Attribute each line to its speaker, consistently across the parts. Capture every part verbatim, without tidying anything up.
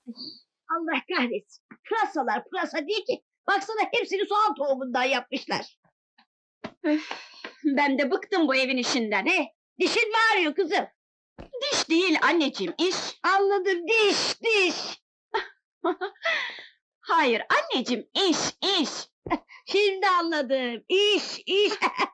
Speaker 1: Allah kahretsin. Pırasalar pırasa değil ki. Baksana hepsini soğan tohumundan yapmışlar.
Speaker 2: Ben de bıktım bu evin işinden.
Speaker 1: Ne? Dişin mi ağrıyor kızım?
Speaker 2: Diş değil anneciğim, iş.
Speaker 1: Anladım, diş, diş.
Speaker 2: Hayır anneciğim, iş, iş.
Speaker 1: Şimdi anladım. İş, iş.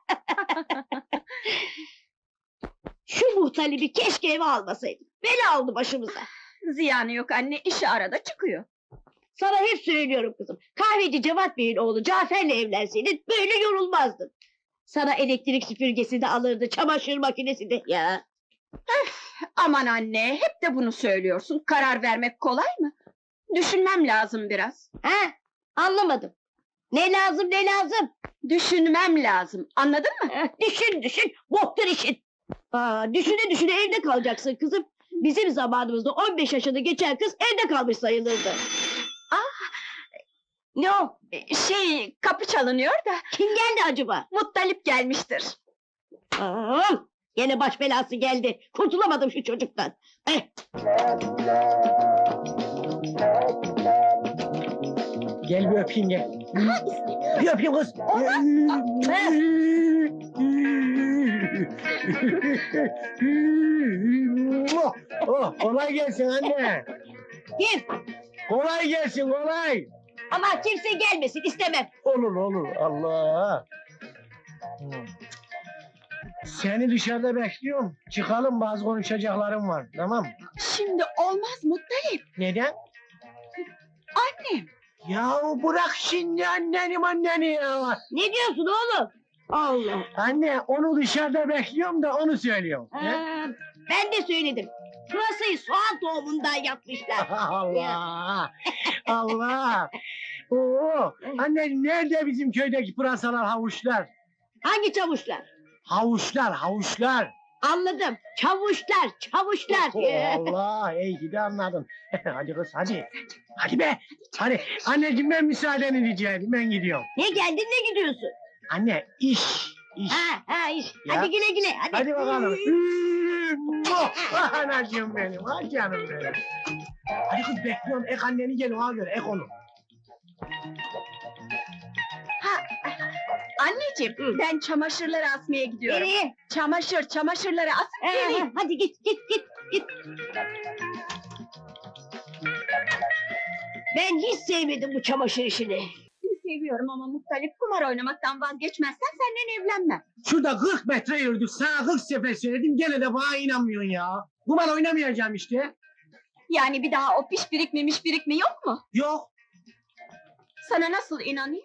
Speaker 1: Şu muhtalibi keşke eve almasaydım. Bela aldı başımıza.
Speaker 2: Ziyanı yok anne, işi arada çıkıyor.
Speaker 1: Sana hep söylüyorum kızım. Kahveci Cevat Bey'in oğlu Cafer'le evlenseydin böyle yorulmazdın. Sana elektrik süpürgesi de alırdı, çamaşır makinesi de ya.
Speaker 2: Aman anne, hep de bunu söylüyorsun. Karar vermek kolay mı? Düşünmem lazım biraz.
Speaker 1: Ha? Anlamadım. Ne lazım, ne lazım?
Speaker 2: Düşünmem lazım, anladın mı?
Speaker 1: Eh, düşün, düşün, boktur işin. Aa, düşüne düşüne evde kalacaksın kızım. Bizim zamanımızda on beş yaşını geçen kız evde kalmış sayılırdı. Ne o?
Speaker 2: Ee, Şey, kapı çalınıyor da,
Speaker 1: Kim geldi acaba?
Speaker 2: Muttalip gelmiştir.
Speaker 1: Aa, gene baş belası geldi. Kurtulamadım şu çocuktan. Eh,
Speaker 3: Gel bir öpeyim gel. Bir öpeyim kız. Oh, kolay gelsin anne.
Speaker 1: kim?
Speaker 3: Kolay gelsin kolay.
Speaker 1: Ama kimse gelmesin istemem.
Speaker 3: Olur olur Allah. Seni dışarıda bekliyorum. Çıkalım, bazı konuşacaklarım var. Tamam.
Speaker 2: Şimdi olmaz Muttalip,
Speaker 3: Neden?
Speaker 2: annem.
Speaker 3: Ya bırak şimdi anneni anneni ya.
Speaker 1: Ne diyorsun oğlum? Allah.
Speaker 3: Anne onu dışarıda bekliyorum da onu söylüyorum.
Speaker 1: Aa,
Speaker 3: Ya.
Speaker 1: ben de söyledim. Pırasayı soğan tohumundan yapmışlar.
Speaker 3: Allah! Allah! Oo! Anne nerede bizim köydeki pırasalar, havuçlar?
Speaker 1: Hangi çavuşlar?
Speaker 3: Havuçlar, havuçlar!
Speaker 1: Anladım. Çavuşlar, çavuşlar.
Speaker 3: Allah! İyi ki de anladın. Hadi kız hadi. Hadi be! Hadi anneciğim ben müsaadeni rica edeyim, ben gidiyorum.
Speaker 1: Ne geldin ne gidiyorsun?
Speaker 3: Anne iş, iş.
Speaker 1: Ha ha iş.
Speaker 3: Ya.
Speaker 1: Hadi güle güle. Hadi,
Speaker 3: Hadi bakalım. Ah anacığım benim, ah canım benim. Hadi kız bekliyorum, ek anneni gel ona göre, ek onu.
Speaker 2: Anneciğim,
Speaker 1: Hı.
Speaker 2: ben çamaşırları asmaya gidiyorum.
Speaker 1: Nereye?
Speaker 2: Çamaşır, çamaşırları asıp
Speaker 1: Ha,
Speaker 2: geleyim.
Speaker 1: ha, hadi git git git git. Ben hiç sevmedim bu çamaşır işini.
Speaker 2: Seviyorum ama Muttalip, kumar oynamaktan vazgeçmezsen senden evlenmem.
Speaker 3: Şurada kırk metre yürüdük, sana kırk sefer söyledim, gene de bana inanmıyorsun ya. Kumar oynamayacağım işte.
Speaker 2: Yani bir daha o piş birik mi miş birik mi yok mu?
Speaker 3: Yok.
Speaker 2: Sana nasıl inanayım?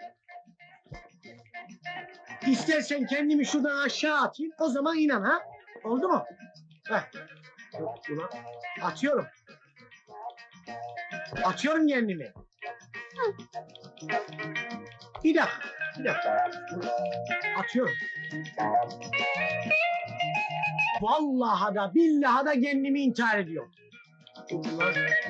Speaker 3: İstersen kendimi şuradan aşağı atayım, o zaman inan ha. Oldu mu? Heh. Yok, ulan. Atıyorum. Atıyorum kendimi. Bir dakika, bir dakika. Atıyorum. Vallahi da billahi da kendimi intihar ediyorum. Ulan.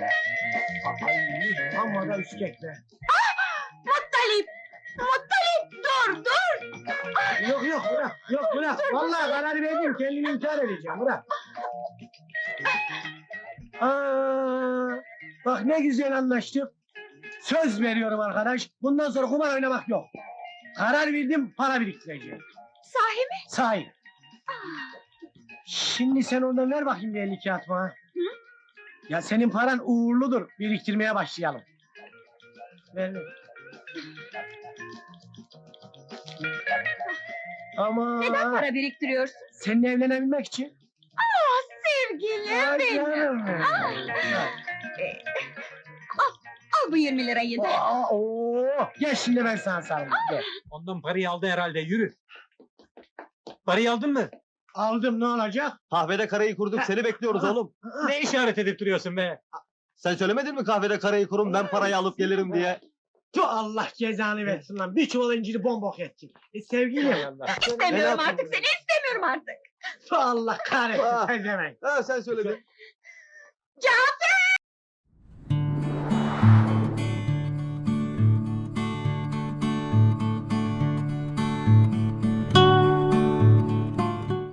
Speaker 3: Ay, amma da üskek be.
Speaker 2: Muttalip! Muttalip, dur, dur!
Speaker 3: Yok yok bırak, yok bırak. Vallahi karar verdim, kendimi intihar edeceğim, bırak. Aa, bak ne güzel anlaştık. Söz veriyorum arkadaş, bundan sonra kumar oynamak yok. Karar verdim, para biriktireceğim.
Speaker 2: Sahi mi?
Speaker 3: Sahi. Şimdi sen oradan ver bakayım bir elli kağıt bana. Ya senin paran uğurludur, biriktirmeye başlayalım. Ver ver. Ama
Speaker 2: Neden para biriktiriyorsun?
Speaker 3: seninle evlenebilmek için.
Speaker 2: Ah sevgilim
Speaker 3: Ay
Speaker 2: benim!
Speaker 3: canım benim.
Speaker 2: Ah. Al bu yirmi lirayı da.
Speaker 3: Aa, oo. Gel şimdi ben sana sarılayım. Gel.
Speaker 4: Ondan parayı aldı herhalde, yürü. Parayı aldın mı?
Speaker 3: Aldım, ne olacak?
Speaker 5: Kahvede karayı kurduk, seni bekliyoruz oğlum.
Speaker 4: Ne işaret edip duruyorsun be?
Speaker 5: Sen söylemedin mi kahvede karayı kurun, ben parayı alıp gelirim diye?
Speaker 3: Tu Allah cezanı versin lan. Bir çuval inciri bombok ettin. E, sevgilim.
Speaker 2: İstemiyorum
Speaker 5: yapayım
Speaker 2: artık
Speaker 5: ben?
Speaker 2: seni, istemiyorum artık.
Speaker 3: Tu Allah kahretsin
Speaker 5: Ah.
Speaker 3: sen demek.
Speaker 5: Ha sen söyledin.
Speaker 2: Cafer!